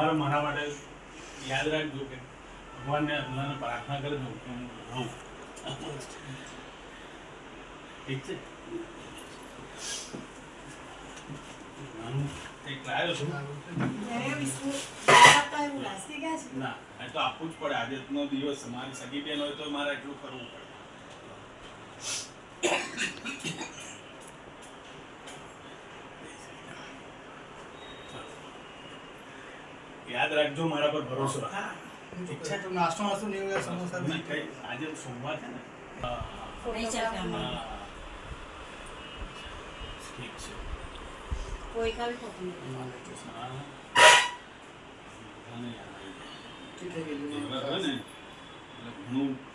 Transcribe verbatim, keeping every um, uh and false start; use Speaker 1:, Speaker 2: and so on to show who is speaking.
Speaker 1: સવારે મારા માટે યાદ રાખજો કે ભગવાનને અલ્લાહને પ્રાર્થના કરજો કે હું રહું. ઠીક છે? નાનું કંઈક લાવ્યો છું. ના એ તો આપવું જ પડે. આજનો દિવસ મારી સગી બેન હોય તો મારે એટલું કરવું પડે. યાદ રાખજો, મારા પર ભરોસો રાખ. ઠીક છે?
Speaker 2: નાસ્તો નાસ્તો નહીં હોય સમોસા
Speaker 1: નહીં, કંઈ આજે સોમવાર છે ને. હા.
Speaker 3: નહીં ચાલતા
Speaker 1: હા.
Speaker 3: અમારે.
Speaker 1: ઠીક છે.
Speaker 3: કોઈ કાલ થતું નથી.
Speaker 1: હા. બધાને યાદ આવી જાય.
Speaker 2: ઠીક છે
Speaker 1: એવા હોય ને એટલે ઘણું